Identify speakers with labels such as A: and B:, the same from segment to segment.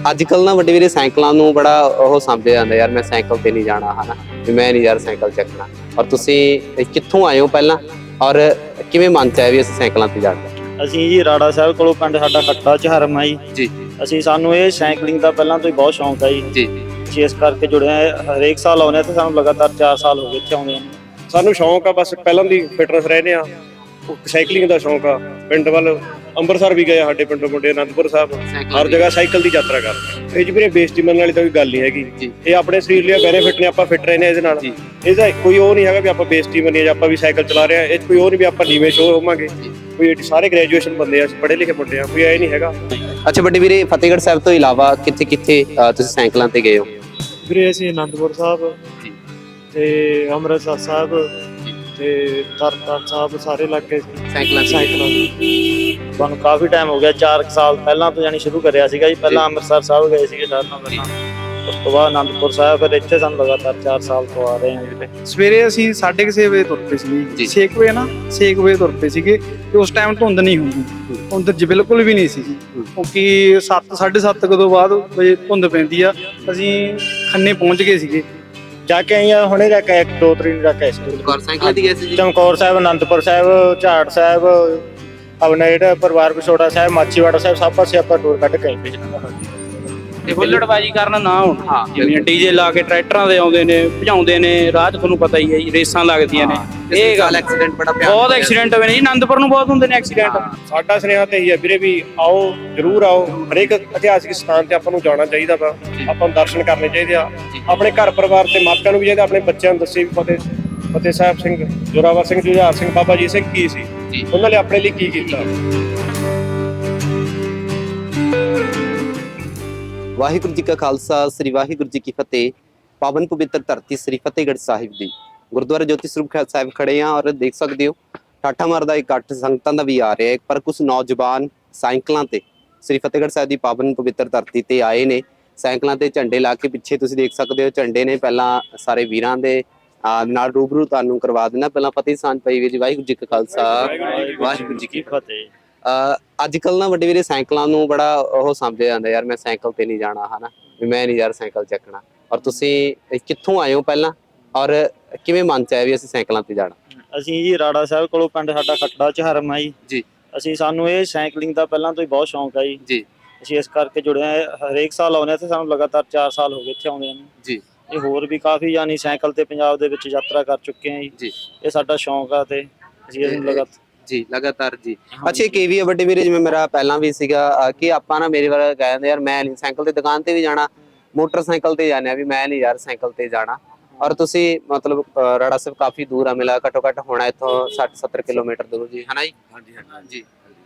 A: ਅੱਜ-ਕੱਲ ਨਾ ਵੱਡੇ ਵੀਰੇ ਸਾਈਕਲਾਂ ਨੂੰ ਬੜਾ ਉਹ ਸਮਝਿਆ ਜਾਂਦਾ ਯਾਰ ਮੈਂ ਸਾਈਕਲ ਤੇ ਨਹੀਂ ਜਾਣਾ ਹਨਾ ਵੀ ਮੈਂ ਨਹੀਂ ਯਾਰ ਸਾਈਕਲ ਚੱਕਣਾ। ਔਰ ਤੁਸੀਂ ਕਿੱਥੋਂ ਆਏ ਹੋ ਪਹਿਲਾਂ ਔਰ ਕਿਵੇਂ ਮਨ ਚ ਆਇਆ ਵੀ ਅਸੀਂ ਸਾਈਕਲਾਂ ਤੇ ਜਾਣਾ?
B: ਅਸੀਂ ਜੀ ਰਾੜਾ ਸਾਹਿਬ ਕੋਲੋਂ ਪਿੰਡ ਸਾਡਾ ਖੱਟਾ ਚਹਰਮ ਆ ਜੀ। ਅਸੀਂ ਸਾਨੂੰ ਇਹ ਸਾਈਕਲਿੰਗ ਦਾ ਪਹਿਲਾਂ ਤੋਂ ਹੀ ਬਹੁਤ ਸ਼ੌਂਕ ਆ ਜੀ। ਅਸੀਂ ਇਸ ਕਰਕੇ ਜੁੜੇ ਆ, ਹਰੇਕ ਸਾਲ ਆਉਂਦੇ ਆ ਤੇ ਸਾਨੂੰ ਲਗਾਤਾਰ 4 ਸਾਲ ਹੋ ਗਏ ਇੱਥੇ ਆਉਂਦੇ ਆ।
C: ਸਾਨੂੰ ਸ਼ੌਂਕ ਆ, ਬਸ ਪਹਿਲਾਂ ਦੀ ਫਿਟਨੈਸ ਰਹਿੰਦੇ ਆ, ਸਾਈਕਲਿੰਗ ਦਾ ਸ਼ੌਂਕ ਆ। ਪਿੰਡ ਵੱਲ ਅੰਮ੍ਰਿਤਸਰ ਵੀ ਗਏ ਸਾਡੇ ਪਿੰਡੋਂ ਮੁੰਡੇ, ਅਨੰਦਪੁਰ ਸਾਹਿਬ, ਹਰ ਜਗ੍ਹਾ ਸਾਈਕਲ ਦੀ ਯਾਤਰਾ ਕਰਦੇ। ਇਹ ਜੀ ਵੀਰੇ ਬੇਇੱਜ਼ਤੀ ਮੰਨਣ ਵਾਲੀ ਤਾਂ ਕੋਈ ਗੱਲ ਨਹੀਂ ਹੈਗੀ। ਇਹ ਆਪਣੇ ਸਰੀਰ ਲਈ ਬੈਨੀਫਿਟ ਨੇ, ਆਪਾਂ ਫਿੱਟ ਰਹਿੰਦੇ ਇਹਦੇ ਨਾਲ। ਇਹਦਾ ਕੋਈ ਉਹ ਨਹੀਂ ਹੈਗਾ ਵੀ ਆਪਾਂ ਬੇਇੱਜ਼ਤੀ ਮੰਨੀਏ ਜਾਂ ਆਪਾਂ ਵੀ ਸਾਈਕਲ ਚਲਾ ਰਹੇ ਆ। ਇਹ ਕੋਈ ਉਹ ਨਹੀਂ ਵੀ ਆਪਾਂ ਨੀਵੇਂ ਸ਼ੋਅ ਹੋਵਾਂਗੇ। ਕੋਈ ਸਾਰੇ ਗ੍ਰੈਜੂਏਸ਼ਨ ਬੰਦੇ ਆ, ਅਸੀਂ ਪੜ੍ਹੇ ਲਿਖੇ ਮੁੰਡੇ ਆ, ਕੋਈ ਐ ਨਹੀਂ ਹੈਗਾ।
A: ਅੱਛਾ ਵੱਡੇ ਵੀਰੇ ਫਤਿਹਗੜ੍ਹ ਸਾਹਿਬ ਤੋਂ ਇਲਾਵਾ ਕਿੱਥੇ ਕਿੱਥੇ ਤੁਸੀਂ ਸਾਈਕਲਾਂ ਤੇ ਗਏ ਹੋ?
B: ਵੀਰੇ ਅਸੀਂ ਅਨੰਦਪੁਰ ਸਾਹਿਬ ਤੇ ਅੰਮ੍ਰਿਤਸਰ ਸਾਹਿਬ ਤੇ ਤਰਨਤਾਰਨ ਸਾਹਿਬ ਸਾਰੇ ਇਲਾਕੇ
A: ਸਾਈਕਲਾਂ
B: ਸਾਨੂੰ ਕਾਫੀ ਟਾਈਮ ਹੋ ਗਿਆ, 4 ਸਾਲ ਪਹਿਲਾਂ ਤੋਂ ਜਾਨੀ ਸ਼ੁਰੂ ਕਰਿਆ ਸੀਗਾ ਜੀ। ਪਹਿਲਾਂ ਅੰਮ੍ਰਿਤਸਰ ਸਾਹਿਬ ਗਏ ਸੀਗੇ ਸਾਰਿਆਂ ਨਾਲ ਪਹਿਲਾਂ, ਉਸ ਤੋਂ ਬਾਅਦ ਅਨੰਦਪੁਰ ਸਾਹਿਬ, ਫਿਰ ਇੱਥੇ ਸਾਨੂੰ ਲਗਾਤਾਰ 4 ਸਾਲ ਤੋਂ ਆ ਰਹੇ ਹਾਂ ਜੀ।
D: ਸਵੇਰੇ ਅਸੀਂ 6:30 ਵਜੇ ਤੁਰ ਪਏ ਸੀ, 6 ਵਜੇ ਨਾ 6 ਵਜੇ ਤੁਰ ਪਏ ਸੀਗੇ ਤੇ ਉਸ ਟਾਈਮ ਧੁੰਦ ਨਹੀਂ ਹੁੰਦੀ, ਧੁੰਦ ਬਿਲਕੁਲ ਵੀ ਨਹੀਂ ਸੀ ਕਿਉਂਕਿ 7 7:30 ਤੋਂ ਬਾਅਦ ਵਜੇ ਧੁੰਦ ਪੈਂਦੀ ਆ। ਅਸੀਂ ਖੰਨੇ ਪਹੁੰਚ ਗਏ ਸੀਗੇ,
B: ਜਾ ਕੇ ਆਈਆਂ ਹੁਣੇ ਜਾ ਕੇ 1-2 ਤਰੀਕ ਜਾ ਕੇ
A: ਸਾਈਕਲਾਂ ਤੇ ਗਏ ਸੀ ਜੀ?
B: ਚਮਕੌਰ ਸਾਹਿਬ, ਅਨੰਦਪੁਰ ਸਾਹਿਬ, ਝਾੜ ਸਾਹਿਬ, ਆਪਣਾ ਜਿਹੜਾ ਪਰਿਵਾਰ ਵਿਛੋੜਾ ਸਾਹਿਬ, ਮਾਛੀਵਾੜਾ ਸਾਹਿਬ, ਸਭ ਪਾਸੇ ਆਪਾਂ ਟੂਰ ਕੱਢ ਕੇ ਆਏ
D: ਤੇ ਹੁੱਲੜਬਾਜੀ ਕਰਨ ਨਾ ਹੋਣ। ਜਿਵੇਂ ਡੀਜੇ ਲਾ ਕੇ ਟਰੈਕਟਰਾਂ ਦੇ ਆਉਂਦੇ ਨੇ, ਭਜਾਉਂਦੇ ਨੇ, ਰਾਹ 'ਚ ਤੁਹਾਨੂੰ ਪਤਾ ਹੀ ਹੈ ਜੀ, ਰੇਸਾਂ ਲੱਗਦੀਆਂ ਨੇ। ਇਹ ਗੱਲ
A: ਐਕਸੀਡੈਂਟ ਬੜਾ
D: ਬਹੁਤ ਐਕਸੀਡੈਂਟ ਹੋਏ ਨੇ ਜੀ, ਅਨੰਦਪੁਰ ਨੂੰ ਬਹੁਤ ਹੁੰਦੇ ਨੇ ਐਕਸੀਡੈਂਟ।
C: ਸਾਡਾ ਸੁਨੇਹਾ ਤੇ ਇਹੀ ਹੈ ਵੀਰੇ ਵੀ ਆਓ, ਜ਼ਰੂਰ ਆਓ। ਹਰੇਕ ਇਤਿਹਾਸਿਕ ਸਥਾਨ ਤੇ ਆਪਾਂ ਨੂੰ ਜਾਣਾ ਚਾਹੀਦਾ ਵਾ, ਆਪਾਂ ਨੂੰ ਦਰਸ਼ਨ ਕਰਨੇ ਚਾਹੀਦੇ ਆ। ਆਪਣੇ ਘਰ ਪਰਿਵਾਰ ਤੇ ਮਾਪਿਆਂ ਨੂੰ ਵੀ ਚਾਹੀਦਾ ਆਪਣੇ ਬੱਚਿਆਂ ਨੂੰ ਦੱਸੇ ਵੀ ਫਤਿਹ ਸਾਹਿਬ ਸਿੰਘ, ਜ਼ੋਰਾਵਰ ਸਿੰਘ, ਜੁਝਾਰ ਸਿੰਘ, ਬਾਬਾ ਜੀ ਸਿੰਘ ਕੀ ਸੀ, ਉਹਨਾਂ ਨੇ ਆਪਣੇ ਲਈ ਕੀ ਕੀਤਾ।
A: ਵਾਹਿਗੁਰੂ ਜੀ ਕਾ ਖਾਲਸਾ, ਸ੍ਰੀ ਵਾਹਿਗੁਰੂ ਜੀ ਕੀ ਫਤਿਹ। ਪਾਵਨ ਪਵਿੱਤਰ ਧਰਤੀ ਸ੍ਰੀ ਫਤਿਹਗੜ੍ਹ ਸਾਹਿਬ ਦੀ ਗੁਰਦੁਆਰਾ ਜੋਤੀ ਸਰੂਪ ਸਾਹਿਬ ਖੜੇ ਆ ਔਰ ਦੇਖ ਸਕਦੇ ਹੋ ਠਾਠਾ ਮਾਰਦਾ ਇਕੱਠ ਸੰਗਤਾਂ ਦਾ ਵੀ ਆ ਰਿਹਾ ਹੈ। ਪਰ ਕੁਝ ਨੌਜਵਾਨ ਸਾਈਕਲਾਂ ਤੇ ਸ੍ਰੀ ਫਤਿਹਗੜ੍ਹ ਸਾਹਿਬ ਦੀ ਪਾਵਨ ਪਵਿੱਤਰ ਧਰਤੀ ਤੇ ਆਏ ਨੇ। ਸਾਈਕਲਾਂ ਤੇ ਝੰਡੇ ਲਾ ਕੇ ਪਿੱਛੇ ਤੁਸੀਂ ਦੇਖ ਸਕਦੇ ਹੋ ਝੰਡੇ ਨੇ। ਪਹਿਲਾਂ ਸਾਰੇ ਵੀਰਾਂ ਦੇ ਨਾਲ ਰੂਬਰੂ ਤੁਹਾਨੂੰ ਕਰਵਾ ਦੇਣਾ। ਪਹਿਲਾਂ ਫਤਿਹ ਸਾਂਝ ਪਈ ਵੀ ਜੀ। ਵਾਹਿਗੁਰੂ ਜੀ ਕਾ ਖਾਲਸਾ, ਵਾਹਿਗੁਰੂ ਜੀ ਕੀ ਫਤਿਹ। ਅੱਜ ਕੱਲ ਨਾ ਵੱਡੇ ਵੀਰੇ ਸਾਈਕਲਾਂ ਨੂੰ ਬੜਾ ਉਹ ਸਮਝਿਆ ਜਾਂਦਾ ਯਾਰ ਮੈਂ ਸਾਈਕਲ ਤੇ ਨਹੀਂ ਜਾਣਾ ਹਨਾ ਵੀ ਮੈਂ ਨਹੀਂ ਯਾਰ ਸਾਈਕਲ ਚੱਕਣਾ। ਔਰ ਤੁਸੀਂ ਕਿੱਥੋਂ ਆਏ ਹੋ ਪਹਿਲਾਂ ਔਰ ਕਿਵੇਂ ਮਨ ਚ ਆਇਆ ਵੀ ਅਸੀਂ ਸਾਈਕਲਾਂ ਤੇ ਜਾਣਾ?
B: ਅਸੀਂ ਜੀ ਰਾੜਾ ਸਾਹਿਬ ਕੋਲੋਂ ਪਿੰਡ ਸਾਡਾ ਖੱਟਾ ਚਹਰਮ ਆ
A: ਜੀ।
B: ਅਸੀਂ ਸਾਨੂੰ ਇਹ ਸਾਈਕਲਿੰਗ ਦਾ ਪਹਿਲਾਂ ਤੋਂ ਹੀ ਬਹੁਤ ਸ਼ੌਂਕ ਆ ਜੀ। ਅਸੀਂ ਇਸ ਕਰਕੇ ਜੁੜੇ ਆ, ਹਰੇਕ ਸਾਲ ਆਉਂਦੇ ਆ ਤੇ ਸਾਨੂੰ ਲਗਾਤਾਰ 4 ਸਾਲ ਹੋ ਗਏ ਇੱਥੇ ਆਉਂਦੇ ਨੂੰ ਜੀ। ਇਹ ਹੋਰ ਵੀ ਕਾਫੀ ਯਾਨੀ ਸਾਈਕਲ ਤੇ ਪੰਜਾਬ ਦੇ ਵਿੱਚ ਯਾਤਰਾ ਕਰ ਚੁੱਕੇ ਆ ਜੀ। ਇਹ ਸਾਡਾ ਸ਼ੌਂਕ ਆ ਤੇ ਅਸੀਂ ਇਹਨੂੰ
A: ਲਗਾਤਾਰ ਜੀ। ਅੱਛਾ ਇੱਕ ਇਹ ਵੀ ਆ ਵੱਡੇ ਵੀਰੇ, ਜਿਵੇਂ ਮੇਰਾ ਪਹਿਲਾਂ ਵੀ ਸੀਗਾ ਕਿ ਆਪਾਂ ਨਾ ਮੇਰੇ ਵਾਲਾ ਕਹਿੰਦੇ ਯਾਰ ਮੈਂ ਨਹੀਂ ਸਾਈਕਲ ਤੇ ਦੁਕਾਨ ਤੇ ਵੀ ਜਾਣਾ, ਮੋਟਰਸਾਈਕਲ ਤੇ ਜਾਂਦੇ ਆ ਵੀ ਮੈਂ ਨਹੀਂ ਯਾਰ ਸਾਈਕਲ ਤੇ ਜਾਣਾ। ਔਰ ਤੁਸੀਂ ਮਤਲਬ ਰਾੜਾ ਸਾਹਿਬ ਕਾਫੀ ਦੂਰ ਆ, ਮਿਲਾ ਘੱਟੋ ਘੱਟ ਹੋਣਾ ਇੱਥੋਂ 60-70 ਕਿਲੋਮੀਟਰ ਦੂਰ ਜੀ ਹਨਾ ਜੀ? ਹਾਂਜੀ ਹਾਂਜੀ।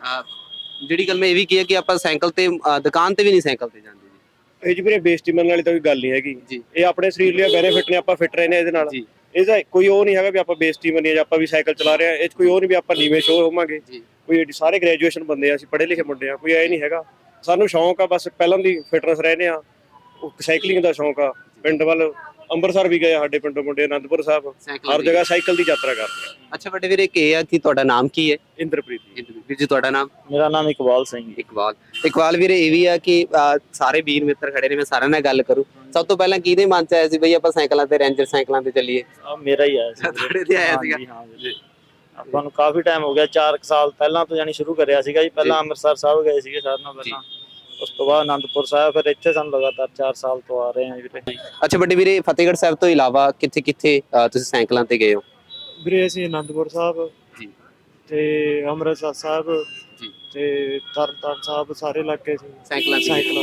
A: ਜਿਹੜੀ ਗੱਲ ਮੈਂ ਇਹ ਵੀ ਕੀ ਹੈ ਕਿ ਆਪਾਂ ਸਾਈਕਲ ਤੇ ਦੁਕਾਨ ਤੇ ਵੀ ਨਹੀਂ ਸਾਈਕਲ ਤੇ ਜਾਂਦੇ ਜੀ।
C: ਇਹ ਜੀ ਵੀਰੇ ਬੇਇੱਜ਼ਤੀ ਮੰਨਣ ਵਾਲੀ ਤਾਂ ਕੋਈ ਗੱਲ ਨਹੀਂ ਹੈਗੀ। ਇਹ ਆਪਣੇ ਸਰੀਰ ਲਈ ਬੈਨੀਫਿਟ ਨੇ, ਆਪਾਂ ਫਿੱਟ ਰਹਿੰਦੇ ਇਹਦੇ ਨਾਲ। ਇਹਦਾ ਕੋਈ ਉਹ ਨਹੀਂ ਹੈਗਾ ਵੀ ਆਪਾਂ ਬੇਇੱਜ਼ਤੀ ਮੰਨੀਏ ਜਾਂ ਆਪਾਂ ਵੀ ਸਾਈਕਲ ਚਲਾ ਰਹੇ ਆ। ਇਹ ਕੋਈ ਉਹ ਨਹੀਂ ਵੀ ਆਪਾਂ ਨੀਵੇਂ ਸ਼ੋਅ ਹੋਵਾਂਗੇ। ਕੋਈ ਸਾਰੇ ਗ੍ਰੈਜੂਏਸ਼ਨ ਬੰਦੇ ਆ, ਅਸੀਂ ਪੜ੍ਹੇ ਲਿਖੇ ਮੁੰਡੇ ਆ, ਕੋਈ ਐ ਨਹੀਂ ਹੈਗਾ। ਸਾਨੂੰ ਸ਼ੌਂਕ ਆ, ਬਸ ਪਹਿਲਾਂ ਦੀ ਫਿਟਨੈਸ ਰਹਿੰਦੇ ਆ, ਸਾਈਕਲਿੰਗ ਦਾ ਸ਼ੌਂਕ ਆ। ਪਿੰਡ ਵੱਲ ਅੰਮ੍ਰਿਤਸਰ ਵੀ ਗਏ ਸਾਡੇ ਪਿੰਡੋਂ ਮੁੰਡੇ, ਅਨੰਦਪੁਰ ਸਾਹਿਬ, ਹਰ ਜਗ੍ਹਾ ਸਾਈਕਲ ਦੀ ਯਾਤਰਾ ਕਰਦੇ ਆ।
A: ਅੱਛਾ ਵੱਡੇ ਵੀਰੇ ਕੀ ਆ ਕਿ ਤੁਹਾਡਾ ਨਾਮ ਕੀ ਹੈ?
C: ਇੰਦਰਪ੍ਰੀਤ
A: ਵੀਰ ਜੀ ਤੁਹਾਡਾ ਨਾਮ?
B: ਮੇਰਾ ਨਾਮ ਇਕਬਾਲ ਸਿੰਘ।
A: ਇਕਬਾਲ ਵੀਰੇ ਇਹ ਵੀ ਆ ਕਿ ਸਾਰੇ ਵੀਰ ਮਿੱਤਰ ਖੜੇ ਨੇ, ਮੈਂ ਸਾਰਿਆਂ ਨਾਲ ਗੱਲ ਕਰੂ। ਸਭ ਤੋਂ ਪਹਿਲਾਂ ਕਿਹਦੇ ਮਨ ਚ ਆਇਆ ਸੀ ਬਈ ਆਪਾਂ ਸਾਈਕਲਾਂ ਤੇ, ਰੇਂਜਰ ਸਾਈਕਲਾਂ ਤੇ ਚੱਲੀਏ?
B: ਮੇਰਾ ਹੀ ਆਇਆ ਸੀ।
A: ਤੁਹਾਡੇ ਤੇ ਆਇਆ ਸੀਗਾ?
B: ਆਪਾਂ ਨੂੰ ਕਾਫੀ ਟਾਈਮ ਹੋ ਗਿਆ, 4 ਸਾਲ ਪਹਿਲਾਂ ਤੋਂ ਜਾਨੀ ਸ਼ੁਰੂ ਕਰਿਆ ਸੀਗਾ ਜੀ। ਪਹਿਲਾਂ ਅੰਮ੍ਰਿਤਸਰ ਸਾਹਿਬ ਗਏ ਸੀਗੇ ਸਾਰਿਆਂ ਨਾਲ ਪਹਿਲਾਂ, ਉਸ ਤੋਂ ਬਾਅਦ ਅਨੰਦਪੁਰ ਸਾਹਿਬ, ਫਿਰ ਇੱਥੇ ਸਾਨੂੰ ਲਗਾਤਾਰ 4 ਸਾਲ ਤੋਂ ਆ ਰਹੇ ਹਾਂ ਵੀਰੇ।
A: ਅੱਛਾ ਵੱਡੇ ਵੀਰੇ ਫਤਿਹਗੜ੍ਹ ਸਾਹਿਬ ਤੋਂ ਇਲਾਵਾ ਕਿੱਥੇ ਕਿੱਥੇ ਤੁਸੀਂ ਸਾਈਕਲਾਂ ਤੇ ਗਏ ਹੋ?
B: ਵੀਰੇ ਅਸੀਂ ਅਨੰਦਪੁਰ ਸਾਹਿਬ ਤੇ ਅੰਮ੍ਰਿਤਸਰ ਸਾਹਿਬ ਤੇ ਤਰਨਤਾਰਨ ਸਾਹਿਬ ਸਾਰੇ ਇਲਾਕੇ
A: ਸਾਈਕਲਾਂ।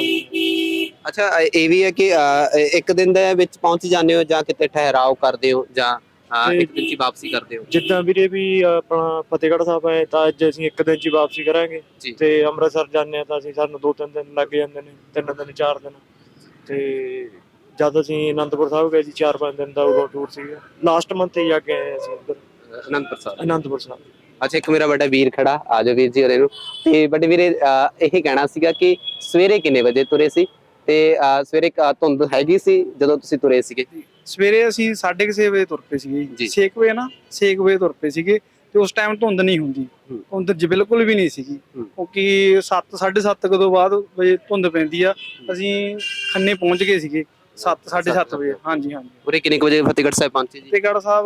A: ਅੱਛਾ ਇਹ ਵੀ ਹੈ ਕਿ ਇੱਕ ਦਿਨ ਦੇ ਵਿੱਚ ਪਹੁੰਚ ਜਾਂਦੇ ਹੋ ਜਾਂ ਕਿਤੇ ਠਹਿਰਾਓ ਕਰਦੇ ਹੋ ਜਾਂ ਇੱਕ ਦਿਨ ਦੀ ਵਾਪਸੀ ਕਰਦੇ ਹੋ?
B: ਜਿੱਦਾਂ ਵੀਰੇ ਵੀ ਆਪਣਾ ਫਤਿਹਗੜ੍ਹ ਸਾਹਿਬ ਆਏ ਤਾਂ ਅੱਜ ਅਸੀਂ ਇੱਕ ਦਿਨ 'ਚ ਵਾਪਸੀ ਕਰਾਂਗੇ ਤੇ ਅੰਮ੍ਰਿਤਸਰ ਜਾਂਦੇ ਆ ਤਾਂ ਅਸੀਂ ਸਾਨੂੰ 2-3 ਦਿਨ ਲੱਗ ਜਾਂਦੇ ਨੇ, 3 ਦਿਨ 4 ਦਿਨ। ਤੇ ਜਦ ਅਸੀਂ ਅਨੰਦਪੁਰ ਸਾਹਿਬ ਗਏ ਸੀ 4-5 ਦਿਨ ਦਾ ਉਦੋਂ ਟੂਰ ਸੀਗਾ। ਲਾਸਟ ਮੰਥ ਹੀ ਜਾ ਕੇ ਆਏ ਅਸੀਂ ਉੱਧਰ ਅਨੰਦਪੁਰ ਸਾਹਿਬ।
A: ਅੱਛਾ ਇੱਕ ਮੇਰਾ ਵੱਡਾ ਵੀਰ ਖੜਾ, ਆ ਜਾਓ ਵੀਰ ਜੀ ਹੋਰੇ ਨੂੰ। ਤੇ ਵੱਡੇ ਵੀਰੇ ਇਹ ਕਹਿਣਾ ਸੀਗਾ ਕਿ ਸਵੇਰੇ ਕਿੰਨੇ ਵਜੇ ਤੁਰੇ ਸੀ ਤੇ ਸਵੇਰੇ ਧੁੰਦ ਹੈਗੀ ਸੀ ਜਦੋਂ ਤੁਸੀਂ ਤੁਰੇ ਸੀਗੇ?
D: ਸਵੇਰੇ ਅਸੀਂ 6:30 ਵਜੇ ਤੁਰ ਪਏ ਸੀਗੇ, 6 ਵਜੇ ਨਾ 6 ਵਜੇ ਤੁਰ ਪਏ ਸੀਗੇ ਤੇ ਉਸ ਟਾਈਮ ਧੁੰਦ ਨਹੀਂ ਹੁੰਦੀ, ਧੁੰਦ ਬਿਲਕੁਲ ਵੀ ਨਹੀਂ ਸੀਗੀ, ਕਿਉਂਕਿ 7:30 ਤੋਂ ਬਾਅਦ ਵਜੇ ਧੁੰਦ ਪੈਂਦੀ ਆ। ਅਸੀਂ ਖੰਨੇ ਪਹੁੰਚ ਗਏ ਸੀਗੇ 7:30 ਵਜੇ। ਹਾਂਜੀ ਹਾਂਜੀ।
A: ਪੂਰੇ ਕਿੰਨੇ ਕੁ ਵਜੇ ਫਤਿਹਗੜ੍ਹ ਸਾਹਿਬ ਪਹੁੰਚੇ ਜੀ?
D: ਫਤਿਹਗੜ੍ਹ ਸਾਹਿਬ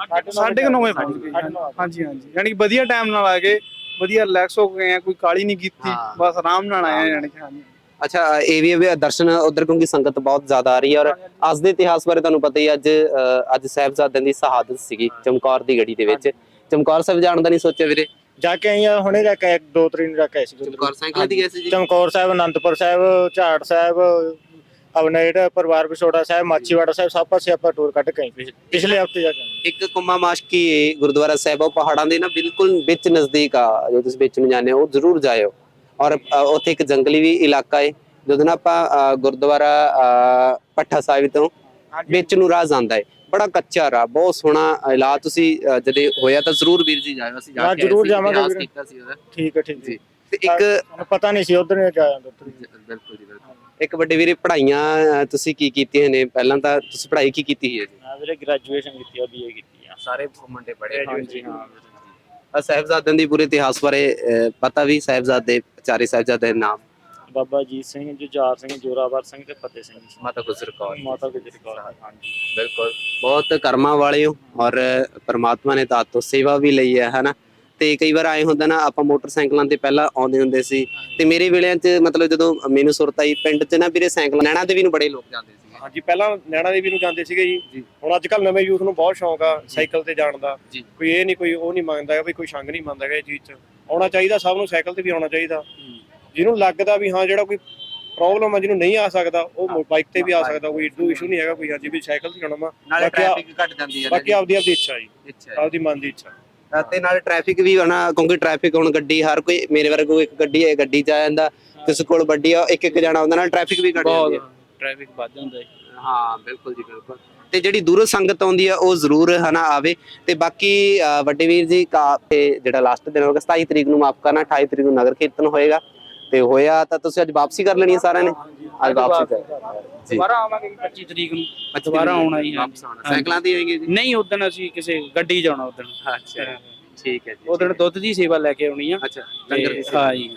D: 9:30 ਵਜੇ ਪਹੁੰਚ ਗਏ। ਹਾਂਜੀ ਹਾਂਜੀ, ਯਾਨੀ ਕਿ ਵਧੀਆ ਟਾਈਮ ਨਾਲ ਆ ਗਏ, ਵਧੀਆ ਰਿਲੈਕਸ ਹੋ ਗਏ ਆ, ਕੋਈ ਕਾਲੀ ਨਹੀਂ ਕੀਤੀ, ਬਸ ਆਰਾਮ ਨਾਲ ਆਏ ਆ। ਯਾਨੀ ਕਿ ਹਾਂਜੀ।
A: ਅੱਛਾ, ਇਹ ਵੀ ਦਰਸ਼ਨ ਉਧਰ ਕਿਉਂਕਿ ਸੰਗਤ ਬਹੁਤ ਜ਼ਿਆਦਾ ਆ ਰਹੀ ਹੈ, ਔਰ ਅੱਜ ਦੇ ਇਤਿਹਾਸ ਬਾਰੇ ਤੁਹਾਨੂੰ ਪਤਾ ਹੀ, ਅੱਜ ਸਾਹਿਬਜ਼ਾਦਿਆਂ ਦੀ ਸ਼ਹਾਦਤ ਸੀਗੀ ਚਮਕੌਰ ਦੀ ਗੜੀ ਦੇ ਵਿੱਚ। ਚਮਕੌਰ ਸਾਹਿਬ ਜਾਣ ਦਾ ਨਹੀਂ ਸੋਚਿਆ ਵੀਰੇ?
B: ਜਾ ਕੇ ਆਈ ਆ ਹੁਣੇ, ਜਾ ਕੇ 2 ਤਰੀਕ ਨੂੰ ਜਾ ਕੇ ਆਏ ਸੀ।
A: ਚਮਕੌਰ ਸਾਈਕਲਾਂ ਦੀ ਗਏ ਸੀ ਜੀ?
B: ਚਮਕੌਰ ਸਾਹਿਬ, ਅਨੰਦਪੁਰ ਸਾਹਿਬ, ਝਾੜ ਸਾਹਿਬ, ਆਪਣਾ ਜਿਹੜਾ ਪਰਿਵਾਰ ਵਿਛੋੜਾ ਸਾਹਿਬ, ਮਾਚੀਵਾੜਾ ਸਾਹਿਬ, ਸਭ ਪਾਸੇ ਆਪਾਂ ਟੂਰ ਕੱਢ ਕੇ ਆਏ ਪਿਛਲੇ ਹਫਤੇ ਜਾ ਕੇ।
A: ਇੱਕ ਕੁੰਮਾ ਮਾਸ਼ਕੀ ਗੁਰਦੁਆਰਾ ਸਾਹਿਬ, ਉਹ ਪਹਾੜਾਂ ਦੇ ਨਾ ਬਿਲਕੁਲ ਵਿੱਚ ਨਜ਼ਦੀਕ ਆ, ਜੋ ਤੁਸੀਂ ਵਿੱਚ ਨੂੰ ਜਾਂਦੇ ਹੋ ਉਹ ਜ਼ਰੂਰ ਜਾਇਓ। ਔਰ ਉੱਥੇ ਇੱਕ ਜੰਗਲੀ ਵੀ ਇਲਾਕਾ ਹੈ, ਜਦੋਂ ਨਾ ਆਪਾਂ ਗੁਰਦੁਆਰਾ ਭੱਠਾ ਸਾਹਿਬ ਤੋਂ ਵਿੱਚ ਨੂੰ ਰਾਹ ਜਾਂਦਾ ਹੈ, ਬੜਾ ਕੱਚਾ ਰਾਹ, ਬਹੁਤ ਸੋਹਣਾ ਇਲਾਕਾ। ਤੁਸੀਂ ਜਦੇ ਹੋਇਆ ਤਾਂ ਜ਼ਰੂਰ ਵੀਰ ਜੀ ਜਾਇਓ, ਅਸੀਂ ਜਾ ਕੇ
B: ਜ਼ਰੂਰ ਜਾਵਾਂਗੇ।
A: ਕੀਤਾ ਸੀ ਉਹਦਾ।
B: ਠੀਕ ਹੈ, ਠੀਕ
A: ਜੀ। ਤੇ ਇੱਕ
B: ਪਤਾ ਨਹੀਂ ਸੀ ਉਧਰ ਨੇ ਜਾ ਜਾਂਦਾ।
A: ਬਿਲਕੁਲ ਜੀ, ਬਿਲਕੁਲ। ਇੱਕ ਵੱਡੇ ਵੀਰੇ, ਪੜ੍ਹਾਈਆਂ ਤੁਸੀਂ ਕੀ ਕੀਤੀਆਂ ਨੇ? ਪਹਿਲਾਂ ਤਾਂ ਤੁਸੀਂ ਪੜ੍ਹਾਈ ਕੀ ਕੀਤੀ ਹੈ ਜੀ?
B: ਹਾਂ ਵੀਰੇ, ਗ੍ਰੈਜੂਏਸ਼ਨ ਕੀਤੀ ਆ, BA ਕੀਤੀ ਆ।
A: ਸਾਰੇ ਮੁੰਡੇ ਪੜ੍ਹੇ?
B: ਹਾਂਜੀ ਹਾਂ।
A: ਸਾਹਿਬਜ਼ਾਦਿਆਂ ਦੀ ਪੂਰੇ ਇਤਿਹਾਸ ਬਾਰੇ ਪਤਾ ਵੀ? ਸਾਹਿਬਜ਼ਾਦੇ, ਚਾਰੇ ਸਾਹਿਬਜ਼ਾਦੇ ਦੇ ਨਾਮ?
B: ਬਾਬਾ ਅਜੀਤ ਸਿੰਘ, ਜੁਝਾਰ ਸਿੰਘ, ਜੋਰਾਵਰ ਸਿੰਘ ਤੇ ਫਤਿਹ ਸਿੰਘ।
A: ਮਾਤਾ ਗੁਜਰ ਕੌਰ।
B: ਮਾਤਾ ਗੁਜਰ ਕੌਰ। ਹਾਂਜੀ
A: ਬਿਲਕੁਲ, ਬਹੁਤ ਕਰਮਾਂ ਵਾਲੇ ਹੋ, ਔਰ ਪਰਮਾਤਮਾ ਨੇ ਤਾਂ ਤੋਂ ਸੇਵਾ ਵੀ ਲਈ ਹੈ, ਹਨਾ। ਤੇ ਕਈ ਵਾਰ ਆਏ ਹੁੰਦਾ ਨਾ, ਆਪਾਂ ਮੋਟਰਸਾਈਕਲਾਂ ਤੇ ਪਹਿਲਾਂ ਆਉਂਦੇ ਹੁੰਦੇ ਸੀ, ਤੇ ਮੇਰੇ ਵੇਲਿਆਂ 'ਚ ਮਤਲਬ ਜਦੋਂ ਮੈਨੂੰ ਸੁਰਤ ਆਈ ਪਿੰਡ 'ਚ ਨਾ ਵੀਰੇ, ਸਾਈਕਲ ਨੈਣਾ ਦੇਵੀ ਨੂੰ ਬੜੇ ਲੋਕ ਜਾਂਦੇ ਸੀ।
C: ਹਾਂਜੀ, ਪਹਿਲਾਂ ਨੈਣਾ ਦੇਵੀ ਨੂੰ ਜਾਂਦੇ ਸੀਗੇ ਜੀ। ਹੁਣ ਅੱਜ ਕੱਲ ਨਵੇਂ ਯੂਥ ਨੂੰ ਬਹੁਤ ਸ਼ੌਂਕ ਆ ਸਾਈਕਲ ਤੇ ਜਾਣ ਦਾ। ਕੋਈ ਇਹ ਨਹੀਂ, ਕੋਈ ਉਹ ਨਹੀਂ ਮੰਗਦਾ, ਵੀ ਕੋਈ ਸੰਗ ਨਹੀਂ ਮੰਨਦਾ ਇਹ ਚੀਜ਼ 'ਚ। ਆਉਣਾ ਚਾਹੀਦਾ ਸਭ ਨੂੰ, ਸਾਈਕਲ ਤੇ ਵੀ ਆਉਣਾ ਚਾਹੀਦਾ। ਜਿਹਨੂੰ ਲੱਗਦਾ ਵੀ ਹਾਂ ਜਿਹੜਾ ਕੋਈ ਪ੍ਰੋਬਲਮ ਆ, ਜਿਹਨੂੰ ਨਹੀਂ ਆ ਸਕਦਾ, ਉਹ ਬਾਈਕ ਤੇ ਵੀ ਆ ਸਕਦਾ, ਕੋਈ ਇਸ਼ੂ ਨਹੀਂ ਹੈਗਾ ਕੋਈ। ਹਾਂਜੀ, ਵੀ ਸਾਈਕਲ ਤੇ ਜਾਣਾ ਵਾ,
A: ਨਾਲੇ ਟ੍ਰੈਫਿਕ ਘਟ ਜਾਂਦੀ ਹੈ,
C: ਬਾਕੀ ਆਪਦੀ ਇੱਛਾ ਜੀ, ਆਪਦੀ ਮਨ ਦੀ ਇੱਛਾ।
A: ਤੇ ਨਾਲ ਟ੍ਰੈਫਿਕ ਵੀ ਹਨਾ, ਕਿਉਂਕਿ ਟ੍ਰੈਫਿਕ ਹੁਣ ਗੱਡੀ ਹਰ ਕੋਈ, ਮੇਰੇ ਵਰਗਾ ਕੋਈ ਇੱਕ ਗੱਡੀ ਹੈ, ਗੱਡੀ 'ਚ ਆ ਜਾਂਦਾ, ਕਿਸੇ ਕੋਲ ਵੱਡੀ ਆ, ਇੱਕ ਜਾਣਾ, ਉਹਦੇ ਨਾਲ ਟ੍ਰੈਫਿਕ ਵੀ ਘਟ ਜਾਂਦੀ ਹੈ,
B: ਟ੍ਰੈਫਿਕ ਵੱਧ ਜਾਂਦਾ ਹੈ।
A: ਹਾਂ ਬਿਲਕੁਲ ਜੀ, ਬਿਲਕੁਲ। ਤੇ ਜਿਹੜੀ ਦੂਰੋਂ ਸੰਗਤ ਆਉਂਦੀ ਆ ਉਹ ਜ਼ਰੂਰ ਹਨਾ ਆਵੇ। ਤੇ ਬਾਕੀ ਵੱਡੇ ਵੀਰ ਜੀ ਜਿਹੜਾ ਲਾਸਟ ਦਿਨ ਹੋਗਾ 27 ਤਰੀਕ ਨੂੰ, ਮਾਫ ਕਰਨਾ 28 ਤਰੀਕ ਨੂੰ ਨਗਰ ਕੀਰਤਨ ਹੋਏਗਾ, ਤੇ ਹੋਇਆ ਤਾਂ ਤੁਸੀਂ ਅੱਜ ਵਾਪਸੀ ਕਰ ਲੈਣੀ ਹੈ ਸਾਰਿਆਂ ਨੇ? ਅੱਜ ਵਾਪਸੀ ਕਰ ਜੀ,
B: ਦੁਬਾਰਾ ਆਵਾਂਗੇ 25 ਤਰੀਕ ਨੂੰ, ਦੁਬਾਰਾ ਆਉਣਾ ਹੀ ਹੈ।
A: ਸਾਈਕਲਾਂ ਤੇ ਆਏਗੇ ਜੀ?
B: ਨਹੀਂ, ਉਦੋਂ ਅਸੀਂ ਕਿਸੇ ਗੱਡੀ ਜਾਣਾ ਉਦੋਂ।
A: ਅੱਛਾ, ਠੀਕ ਹੈ ਜੀ।
B: ਉਦੋਂ ਦੁੱਧ ਦੀ ਸੇਵਾ ਲੈ ਕੇ ਆਉਣੀ ਆ।
A: ਅੱਛਾ, ਲੰਗਰ ਦੀ ਸੇਵਾ।
B: ਹਾਂ ਜੀ।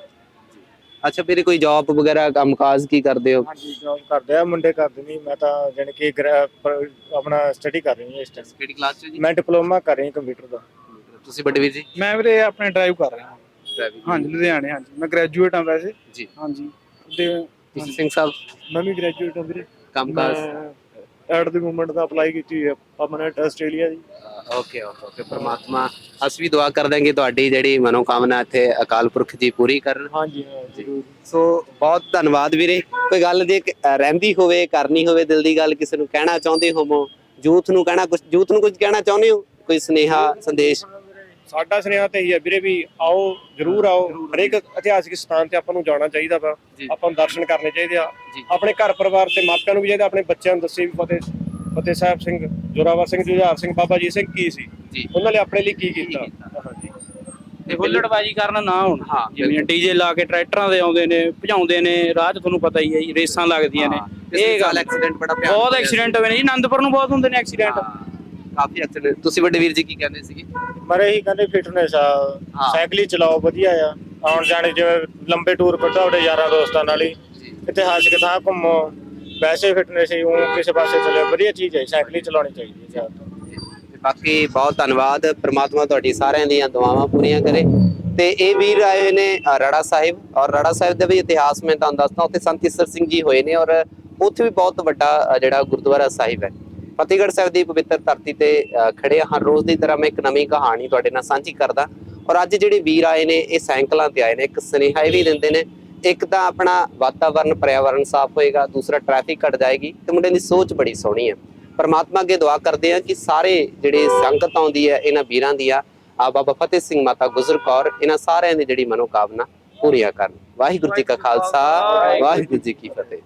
A: ਅੱਛਾ ਵੀਰੇ, ਕੋਈ ਜੌਬ ਵਗੈਰਾ ਕੰਮਕਾਜ ਕੀ ਕਰਦੇ ਹੋ?
B: ਹਾਂਜੀ, ਜੌਬ ਕਰਦੇ ਆ ਮੁੰਡੇ, ਕਰਦੇ ਨਹੀਂ। ਮੈਂ ਤਾਂ ਜਾਣੀ ਕਿ ਆਪਣਾ ਸਟੱਡੀ ਕਰ ਰਹੀ ਹਾਂ ਇਸ ਟਾਈਮ।
A: ਕਿਹੜੀ ਕਲਾਸ 'ਚ ਜੀ?
B: ਮੈਂ ਡਿਪਲੋਮਾ ਕਰ ਰਹੀ ਹਾਂ ਕੰਪਿਊਟਰ ਦਾ।
A: ਤੁਸੀਂ ਵੱਡੇ ਵੀਰ ਜੀ?
D: ਮੈਂ ਵੀਰੇ ਆਪਣੇ ਡਰਾਈਵ ਕਰ ਰਿਹਾ। ਹਾਂਜੀ, ਲੁਧਿਆਣੇ। ਹਾਂਜੀ, ਮੈਂ ਗ੍ਰੈਜੂਏਟ ਹਾਂ ਵੈਸੇ
A: ਜੀ।
D: ਹਾਂਜੀ।
A: ਤੁਸੀਂ ਸਿੰਘ ਸਾਹਿਬ?
B: ਮੈਂ ਵੀ ਗ੍ਰੈਜੂਏਟ ਹਾਂ ਵੀਰੇ।
A: ਕੰਮਕਾਜ
B: ਐਟ ਦੀ ਮੂਵਮੈਂਟ ਦਾ ਅਪਲਾਈ ਕੀਤੀ ਹੈ ਪਰਮਨੈਂਟ ਆਸਟ੍ਰੇਲੀਆ ਦੀ।
A: Okay okay okay. ਪਰਮਾਤਮਾ, ਅਸੀਂ ਵੀ ਦੁਆ ਕਰ ਦਾਂਗੇ ਤੁਹਾਡੀ ਜਿਹੜੀ ਮਨੋਕਾਮਨਾ ਇੱਥੇ ਅਕਾਲ ਪੁਰਖ ਜੀ ਪੂਰੀ ਕਰਨ।
B: ਹਾਂਜੀ ਹਾਂ, ਜ਼ਰੂਰ।
A: ਸੋ ਬਹੁਤ ਧੰਨਵਾਦ ਵੀਰੇ। ਕੋਈ ਗੱਲ ਜੇ ਰਹਿੰਦੀ ਹੋਵੇ, ਕਰਨੀ ਹੋਵੇ ਦਿਲ ਦੀ ਗੱਲ, ਕਿਸੇ ਨੂੰ ਕਹਿਣਾ ਚਾਹੁੰਦੇ ਹੋਵੋ, ਯੂਥ ਨੂੰ ਕਹਿਣਾ, ਕੁਝ ਯੂਥ ਨੂੰ ਕੁਝ ਕਹਿਣਾ ਚਾਹੁੰਦੇ ਹੋ, ਕੋਈ ਸੁਨੇਹਾ, ਸੰਦੇਸ਼?
C: ਸਾਡਾ ਸੁਨੇਹਾ ਤੇ ਇਹੀ ਹੈ ਵੀਰੇ, ਵੀ ਆਓ, ਜ਼ਰੂਰ ਆਓ। ਹਰੇਕ ਇਤਿਹਾਸਿਕ ਸਥਾਨ ਤੇ ਆਪਾਂ ਨੂੰ ਜਾਣਾ ਚਾਹੀਦਾ ਵਾ, ਆਪਾਂ ਨੂੰ ਦਰਸ਼ਨ ਕਰਨੇ ਚਾਹੀਦੇ ਆ। ਆਪਣੇ ਘਰ ਪਰਿਵਾਰ ਤੇ ਮਾਪਿਆਂ ਨੂੰ ਵੀ ਚਾਹੀਦਾ, ਆਪਣੇ ਬੱਚਿਆਂ ਨੂੰ ਦੱਸੇ ਵੀ ਫਤਿਹ ਸਾਹਿਬ ਸਿੰਘ, ਜੋਰਾਵਰ ਸਿੰਘ, ਜੁਝਾਰ ਸਿੰਘ, ਬਾਬਾ ਅਜੀਤ ਸਿੰਘ ਕੀ ਸੀ, ਉਹਨਾਂ ਨੇ ਆਪਣੇ ਲਈ ਕੀ ਕੀਤਾ।
B: ਤੇ ਹੁੱਲੜਬਾਜੀ ਕਰਨ ਨਾ ਹੁਣ। ਜਿਵੇਂ ਡੀਜੇ ਲਾ ਕੇ ਟਰੈਕਟਰਾਂ ਦੇ ਆਉਂਦੇ ਨੇ, ਭਜਾਉਂਦੇ ਨੇ ਰਾਹ 'ਚ, ਤੁਹਾਨੂੰ ਪਤਾ ਹੀ ਹੈ ਜੀ, ਰੇਸਾਂ ਲੱਗਦੀਆਂ ਨੇ। ਇਹ ਗੱਲ
A: ਐਕਸੀਡੈਂਟ ਬੜਾ
B: ਬਹੁਤ ਐਕਸੀਡੈਂਟ ਹੋਏ ਨੇ ਜੀ, ਆਨੰਦਪੁਰ ਨੂੰ ਬਹੁਤ ਹੁੰਦੇ ਨੇ ਐਕਸੀਡੈਂਟ,
A: ਕਾਫੀ ਐਕਸੀਡੈਂਟ। ਤੁਸੀਂ ਵੱਡੇ ਵੀਰ ਜੀ ਕੀ ਕਹਿੰਦੇ ਸੀਗੇ?
B: ਮਰੇ ਹੀ ਕਹਿੰਦੇ ਫਿਟਨੈਸ ਆ, ਸਾਈਕਲ ਹੀ ਚਲਾਓ, ਵਧੀਆ ਆ। ਆਉਣ ਜਾਣੇ ਜਿਵੇਂ ਲੰਬੇ ਟੂਰ ਕੱਢੋ ਆਪਣੇ ਯਾਰਾਂ ਦੋਸਤਾਂ ਨਾਲ ਹੀ, ਇਤਿਹਾਸਿਕ ਥਾਂ ਘੁੰਮੋ, ਵੈਸੇ ਫਿਟਨੈਸ ਹੀ ਉਹ ਕਿਸੇ ਪਾਸੇ ਚਲੇ, ਵਧੀਆ ਚੀਜ਼ ਹੈ, ਸਾਈਕਲ ਹੀ ਚਲਾਉਣੀ ਚਾਹੀਦੀ ਹੈ ਜ਼ਿਆਦਾ।
A: ਬਾਕੀ ਬਹੁਤ ਧੰਨਵਾਦ, ਪ੍ਰਮਾਤਮਾ ਤੁਹਾਡੀ ਸਾਰਿਆਂ ਦੀਆਂ ਦੁਆਵਾਂ ਪੂਰੀਆਂ ਕਰੇ। ਤੇ ਇਹ ਵੀਰ ਆਏ ਹੋਏ ਨੇ ਰਾੜਾ ਸਾਹਿਬ, ਔਰ ਰਾੜਾ ਸਾਹਿਬ ਦਾ ਵੀ ਇਤਿਹਾਸ ਮੈਂ ਤੁਹਾਨੂੰ ਦੱਸਦਾ। ਉੱਥੇ ਸੰਤ ਈਸਰ ਸਿੰਘ ਜੀ ਹੋਏ ਨੇ, ਔਰ ਉੱਥੇ ਵੀ ਬਹੁਤ ਵੱਡਾ ਜਿਹੜਾ ਗੁਰਦੁਆਰਾ ਸਾਹਿਬ ਹੈ। ਫਤਿਹਗੜ੍ਹ ਸਾਹਿਬ ਦੀ ਪਵਿੱਤਰ ਧਰਤੀ ਤੇ ਖੜੇ ਹਰ ਰੋਜ਼ ਦੀ ਤਰ੍ਹਾਂ ਮੈਂ ਇੱਕ ਨਵੀਂ ਕਹਾਣੀ ਤੁਹਾਡੇ ਨਾਲ ਸਾਂਝੀ ਕਰਦਾ। ਔਰ ਅੱਜ ਜਿਹੜੇ ਵੀਰ ਆਏ ਨੇ, ਇਹ ਸਾਈਕਲਾਂ ਤੇ ਆਏ ਨੇ। ਇੱਕ ਸੁਨੇਹਾ ਇਹ ਵੀ ਦਿੰਦੇ ਨੇ, ਇੱਕ ਤਾਂ ਆਪਣਾ ਵਾਤਾਵਰਨ, ਪਰਿਆਵਰਨ ਸਾਫ਼ ਹੋਏਗਾ, ਦੂਸਰਾ ਟ੍ਰੈਫਿਕ ਘਟ ਜਾਏਗੀ, ਤੇ ਮੁੰਡੇ ਦੀ ਸੋਚ ਬੜੀ ਸੋਹਣੀ ਹੈ। ਪਰਮਾਤਮਾ ਅੱਗੇ ਦੁਆ ਕਰਦੇ ਆ ਕਿ ਸਾਰੇ ਜਿਹੜੇ ਸੰਗਤ ਆਉਂਦੀ ਹੈ ਇਹਨਾਂ ਵੀਰਾਂ ਦੀ ਆ ਬਾਬਾ ਫਤਿਹ ਸਿੰਘ, ਮਾਤਾ ਗੁਜਰ ਕੌਰ, ਇਹਨਾਂ ਸਾਰਿਆਂ ਦੀ ਜਿਹੜੀ ਮਨੋਕਾਮਨਾ ਪੂਰੀਆਂ ਕਰਨ। ਵਾਹਿਗੁਰੂ ਜੀ ਕਾ ਖਾਲਸਾ, ਵਾਹਿਗੁਰੂ ਜੀ ਕੀ ਫਤਿਹ।